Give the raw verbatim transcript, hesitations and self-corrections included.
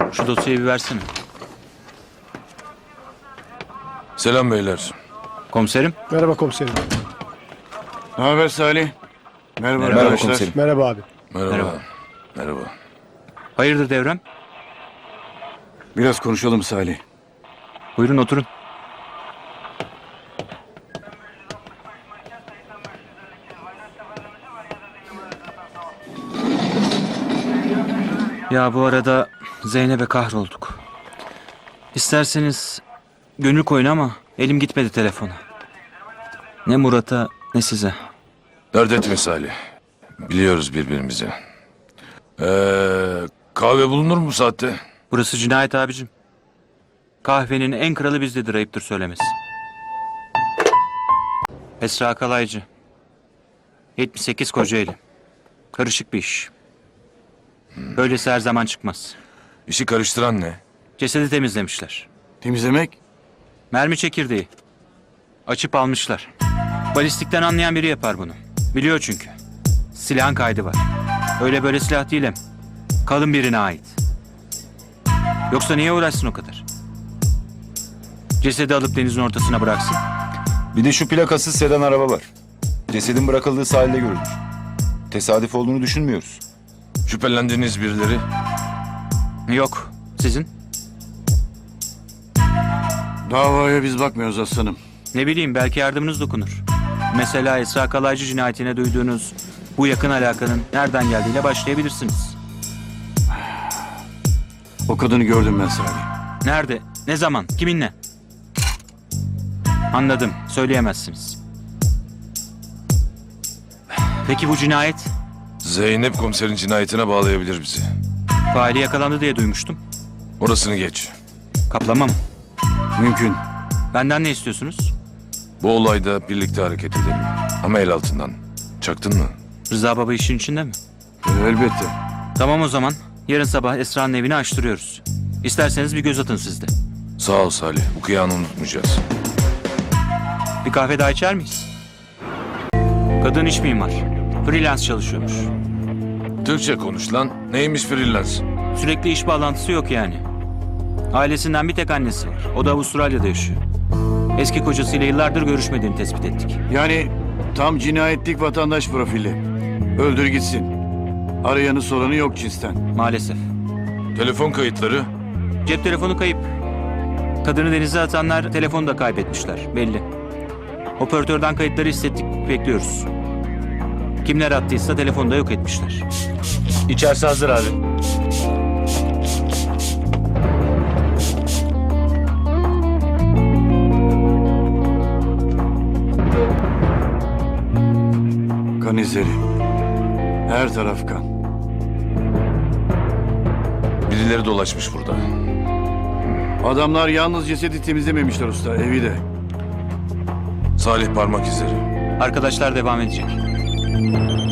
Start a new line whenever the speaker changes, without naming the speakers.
Şu dosyayı bir versene.
Selam beyler.
Komiserim.
Merhaba komiserim.
Ne haber Salih? Merhaba,
Merhaba
arkadaşlar.
komiserim.
Merhaba abi.
Merhaba.
Merhaba.
Merhaba.
Hayırdır Devrem?
Biraz konuşalım Salih.
Buyurun oturun. Ya bu arada Zeynep'e kahrolduk. İsterseniz gönül koyun ama elim gitmedi telefona. Ne Murat'a ne size.
Dert etme Salih. Biliyoruz birbirimizi. Ee, kahve bulunur mu bu saatte?
Burası cinayet abicim. Kahvenin en kralı bizdedir, ayıptır söylemesi. Esra Kalaycı. yetmiş sekiz Kocaeli. Karışık bir iş. Böylesi her zaman çıkmaz.
İşi karıştıran ne?
Cesedi temizlemişler.
Temizlemek?
Mermi çekirdeği. Açıp almışlar. Balistikten anlayan biri yapar bunu. Biliyor çünkü. Silahın kaydı var. Öyle böyle silah değil hem. Kalın birine ait. Yoksa niye uğraşsın o kadar? Cesedi alıp denizin ortasına bıraksın.
Bir de şu plakasız sedan araba var. Cesedin bırakıldığı sahilde görülmüş. Tesadüf olduğunu düşünmüyoruz.
Şüphelendiğiniz birileri?
Yok. Sizin?
Davaya biz bakmıyoruz aslanım.
Ne bileyim, belki yardımınız dokunur. Mesela Esra Kalaycı cinayetine duyduğunuz bu yakın alakanın nereden geldiğiyle başlayabilirsiniz.
O kadını gördüm ben Salih.
Nerede? Ne zaman? Kiminle? Anladım. Söyleyemezsiniz. Peki bu cinayet?
Zeynep komiserin cinayetine bağlayabilir bizi.
Faili yakalandı diye duymuştum.
Orasını geç.
Kaplama mı?
Mümkün.
Benden ne istiyorsunuz?
Bu olayda birlikte hareket edelim. Ama el altından. Çaktın mı?
Rıza Baba işin içinde mi?
Ee, elbette.
Tamam o zaman. Yarın sabah Esra'nın evini açtırıyoruz. İsterseniz bir göz atın siz de.
Sağ ol Salih. Bu kıyanı unutmayacağız.
Bir kahve daha içer miyiz? Kadın iç mimar. Freelance çalışıyormuş.
Türkçe konuş lan. Neymiş freelance?
Sürekli iş bağlantısı yok yani. Ailesinden bir tek annesi var. O da Avustralya'da yaşıyor. Eski kocasıyla yıllardır görüşmediğini tespit ettik.
Yani tam cinayetlik vatandaş profili. Öldür gitsin. Arayanı soranı yok cinsten.
Maalesef.
Telefon kayıtları?
Cep telefonu kayıp. Kadını denize atanlar telefonu da kaybetmişler. Belli. Operatörden kayıtları hissettik. Bekliyoruz. Kimler attıysa telefonu da yok etmişler. İçerisi hazır abi.
Kan izleri. Her taraf kan.
Birileri dolaşmış burada.
Adamlar yalnız cesedi temizlememişler usta, evi de.
Salih parmak izleri.
Arkadaşlar devam edecek.